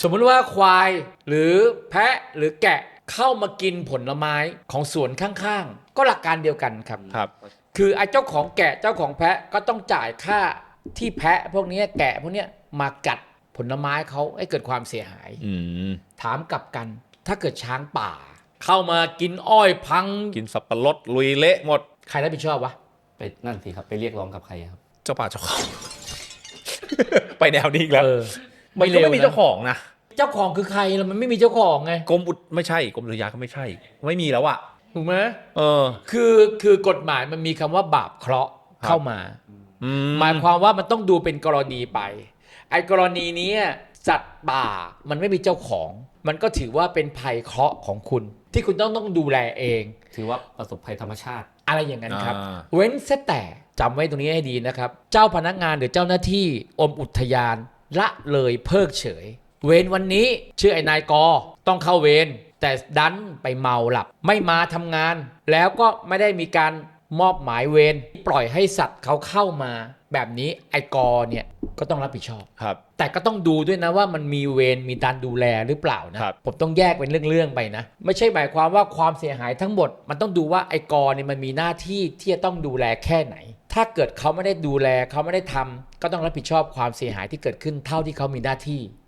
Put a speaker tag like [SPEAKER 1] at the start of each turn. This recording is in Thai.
[SPEAKER 1] สมมุติว่าควายหรือแพะหรือแกะเข้ามากินผลไม้ของสวนข้างๆก็หลักการเดียวกันครับ
[SPEAKER 2] ครับ
[SPEAKER 1] คือไอ้เจ้าของแกะเจ้าของแพะก็ต้องจ่ายค่าที่แพะพวกนี้แกะพวกนี้มากัดผลไม้เขาให้เกิดความเสียหาย ถามกลับกันถ้าเกิดช้างป่า เข้ามากินอ้อยพัง
[SPEAKER 2] กินสับปะรดลุยเละหมด
[SPEAKER 1] ใครรับผิดชอบวะ
[SPEAKER 3] ไปนั่นสิครับไปเรียกร้องกับใครครับ
[SPEAKER 2] เจ้าป่าเจ้าเขา ไปแนวนี้อีกแล้ว
[SPEAKER 1] ไม่
[SPEAKER 2] ก็
[SPEAKER 1] เร็ว
[SPEAKER 2] ไม่มีเจ้าของนะ
[SPEAKER 1] เจ้าของคือใครล่ะมันไม่มีเจ้าของไง
[SPEAKER 2] กรมอุทไม่ใช่กรมอุทยานก็ไม่ใช่ ไม่มีแล้วอะ
[SPEAKER 1] ถูกไหม
[SPEAKER 2] เออ
[SPEAKER 1] คือกฎหมายมันมีคำว่าบาปเคราะห์เข้ามา
[SPEAKER 2] อื
[SPEAKER 1] หมายความว่ามันต้องดูเป็นกรณีไปไอ้กรณีนี้สัตว์ป่ามันไม่มีเจ้าของ มันก็ถือว่าเป็นภัยเคราะห์ของคุณ ที่คุณต้องดูแลเอง
[SPEAKER 3] ถือว่าประสบภัยธรรมชาติ
[SPEAKER 1] อะไรอย่างนั้นครับ เว้นแต่จำไว้ตรงนี้ให้ดีนะครับ เจ้าพนักงานหรือเจ้าหน้าที่อมอุทยานละเลยเพิกเฉย เวรวันนี้ชื่อไอ้นายกต้องเข้าเวรแต่ดันไปเมาหลับ ไม่มาทำงาน แล้วก็ไม่ได้มีการมอบหมายเวรปล่อยให้สัตว์เขาเข้ามา แบบนี้ไอ้กเนี่ยก็ต้องรับผิดชอบ
[SPEAKER 2] ครับ
[SPEAKER 1] แต่ก็ต้องดูด้วยนะว่ามันมีเวรมีการดูแลหรือเปล่านะครับ ผมต้องแยกเป็นเรื่องๆไปนะ ไม่ใช่หมายความว่าความเสียหายทั้งหมด มันต้องดูว่าไอ้กเนี่ยมันมีหน้าที่ที่จะต้องดูแลแค่ไหน ถ้าเกิดเขาไม่ได้ดูแลเขาไม่ได้ทำก็ต้องรับผิดชอบความเสียหายที่เกิดขึ้นเท่าที่เขามีหน้าที่